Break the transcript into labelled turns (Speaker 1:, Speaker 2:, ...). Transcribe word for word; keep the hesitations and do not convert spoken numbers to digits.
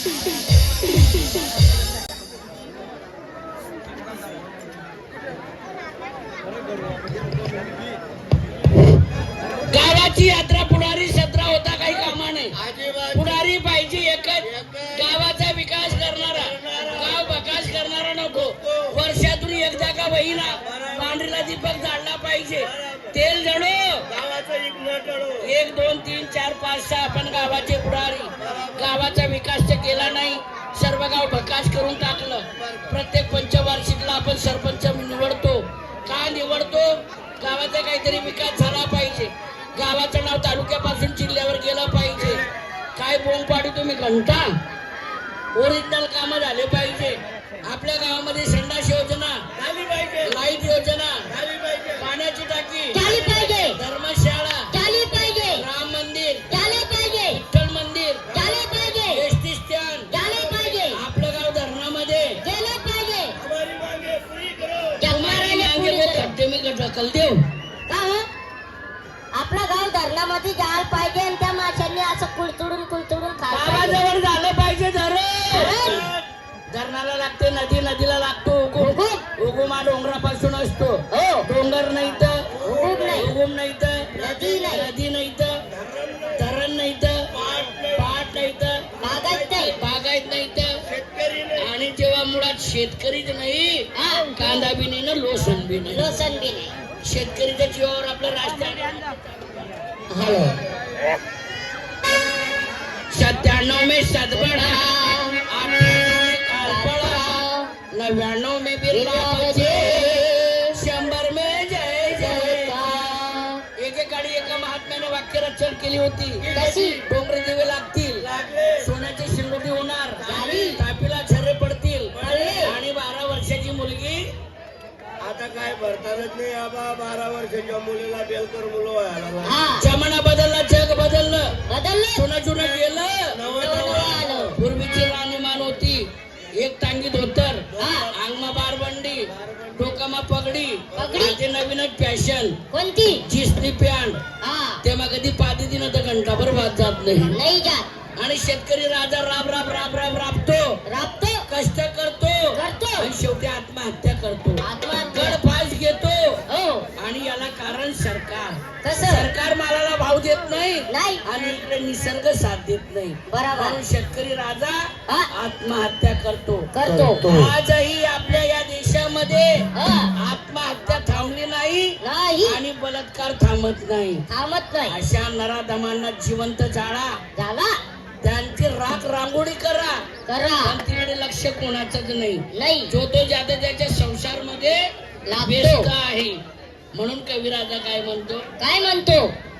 Speaker 1: गावाची यात्रा पुढारी सतरा होता काही कामा नाही. पुढारी पाहिजे एकच, गावाचा विकास करणारा, गाव विकास करणारा नको. वर्षातून एकदा का बहिणा पांढरीला दीपक जाळला पाहिजे. तेल जळो गावाचा एक दोन तीन चार पाच सहा. आपण गावाचे पुढारी, गावाचा विकास तर केला नाही, सर्व गाव भकास करून टाकलं. प्रत्येक पंचवार्षिकला आपण सरपंच निवडतो. का निवडतो? गावाचा काहीतरी विकास झाला पाहिजे. गावाचं नाव तालुक्यापासून जिल्ह्यावर गेलं पाहिजे. काय बोंब पाडी तुम्ही घंटा, ओरिजिनल काम झाले पाहिजे. आपल्या गावामध्ये संडास योजना झाली पाहिजे, लाईट योजना झाली पाहिजे, पाण्याची टाकी झाली पाहिजे, धर्मशाळा झाली पाहिजे, राम मंदिर झाले पाहिजे, विठ्ठल मंदिर झाले पाहिजे, एसटी स्टँड झाले पाहिजे. आपलं गाव धरणामध्ये गेलं पाहिजे. मी ढकल देऊ
Speaker 2: का हो? आपलं गाव धरणामध्ये जायला पाहिजे आणि त्या माशांनी असं कुळतुडून कुळतुडून
Speaker 1: गावाजवळ झालं पाहिजे. धरण धरणाला लागते, नदी नदीला लागतो. उगुम उगुम हा डोंगरापासून असतो. हो, डोंगर नाही तर उगुम नाही, उगुम नाही तर नदी नाही, नदी नाही तर धरण नाही तर पाट नाही तर बागायत नाही, बागायत नाही तर शेतकरी नाही. आणि जेव्हा मुळात शेतकरीच नाही, कांदा बी नाही ना लोसन बी नाही,
Speaker 2: लोसन बी नाही.
Speaker 1: शेतकरीच्या जीवावर आपलं राजकारण.
Speaker 2: हॅलो,
Speaker 1: सत्त्याण्णव में सदबड़ा, नव्याण्णव में बिरला बचे, शंभर में जय जय. एकेकाळी एका महात्म्याने वाक्य रचना केली होती.
Speaker 2: कशी?
Speaker 1: डोंगरे दिवे लागतील, सोन्याची शिंगोटी होणार, तापीला छर्रे पडतील, आणि बारा वर्षाची मुलगी.
Speaker 3: आता काय भरतानच नाही आबा. बारा वर्षाच्या मुलीला बेलकर मुलं व्हायला.
Speaker 1: जमाना बदलला, जग बदललं,
Speaker 2: बदललं,
Speaker 1: सोनं जुनं गेलं.
Speaker 2: आलं.
Speaker 1: पूर्वीची राणीमान होती, एक टांगी धोतर, अंगमा बारबंडी, डोकामा पगडी.
Speaker 2: पगडी.
Speaker 1: नवीनच फॅशन
Speaker 2: कोणती?
Speaker 1: जिसनी पॅन्ट.
Speaker 2: हा,
Speaker 1: तेव्हा कधी पादी दिन तर घंटाभर वाद जात नाही.
Speaker 2: नाही जात.
Speaker 1: आणि शेतकरी राजा राब राब राब राब राबतो,
Speaker 2: राबतो,
Speaker 1: कष्ट करतो,
Speaker 2: करतो,
Speaker 1: आणि शेवटी आत्महत्या करतो.
Speaker 2: आत्महत्या.
Speaker 1: गडफास घेतो.
Speaker 2: हो,
Speaker 1: आणि याला कारण सरकार.
Speaker 2: कसं?
Speaker 1: सरकार मालाला भाव देत नाही,
Speaker 2: नाही,
Speaker 1: आणि इकडे निसर्ग साथ देत नाही.
Speaker 2: बरोबर.
Speaker 1: म्हणून शेतकरी राजा
Speaker 2: हा,
Speaker 1: आत्महत्या करतो
Speaker 2: करतो.
Speaker 1: आजही आपल्या या देशामध्ये
Speaker 2: हा,
Speaker 1: आत्महत्या थांबली नाही,
Speaker 2: नाही,
Speaker 1: आणि बलात्कार थांबत नाही.
Speaker 2: थांबत नाही.
Speaker 1: अशा नराधमांना जिवंत जाळा,
Speaker 2: झाला,
Speaker 1: त्यांची राख रांगोळी करा,
Speaker 2: करा.
Speaker 1: पण तिकडे लक्ष कोणाचंच नाही.
Speaker 2: नाही,
Speaker 1: जो तो ज्यादा त्याच्या संसार मध्ये
Speaker 2: लागतो.
Speaker 1: व्यस्त आहे. म्हणून कविराजा काय म्हणतो?
Speaker 2: काय म्हणतो?